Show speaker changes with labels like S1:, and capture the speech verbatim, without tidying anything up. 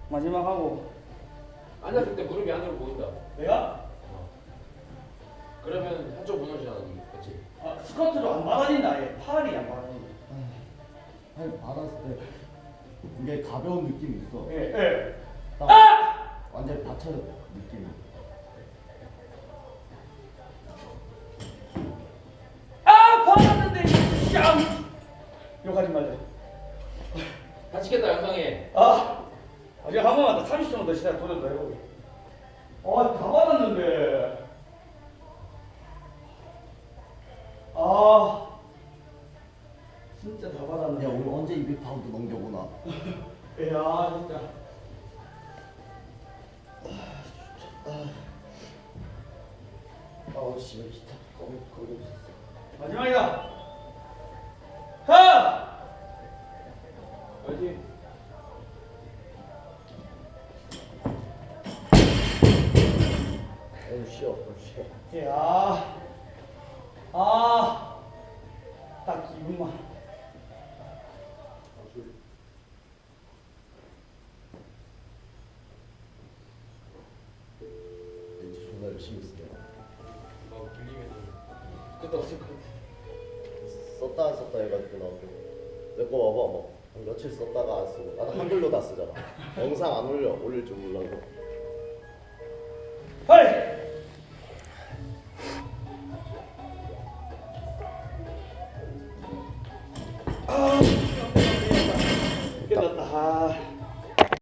S1: 마지막 하고.
S2: 앉았을 때 무릎이 안으로 보인다.
S1: 내가?
S2: 어. 그러면 한쪽 무너지잖아, 니. 그렇지?
S1: 아, 스쿼트로 안 받아진다. 아예 팔이 안 받아진다.
S3: 팔 받았을 때 이게 가벼운 느낌이 있어.
S1: 예, 예.
S3: 딱
S1: 아!
S3: 완전 받쳐져 느낌이.
S1: 아, 받았는데 쌍. 욕하지 말자.
S2: 다치겠다, 영상에.
S1: 아, 아직 한 번만 더 삼십 초 더 시작 도전 더 해보게. 아, 다 받았는데. 아, 진짜 다
S3: 야
S1: 받았네.
S3: 오늘 언제 이백 파운드 넘겨보나.
S1: 야, 진짜.
S3: 아우 씨 여기 기타 거기 거기 있었어.
S1: 마지막이다. 하!
S2: 알지?
S3: 오늘 쉬어 오늘 쉬어.
S1: 야, 아, 딱 기분만.
S3: 왠지 존나 열심히 쓰네.
S2: 어, 빌리면 끝도 없을 것 같아.
S3: 썼다 안 썼다 해가지고 나오고 내 거 봐봐 뭐 한 며칠 썼다가 안 쓰고 나는 한글로 다 쓰잖아. 영상 안 올려 올릴 줄 몰라서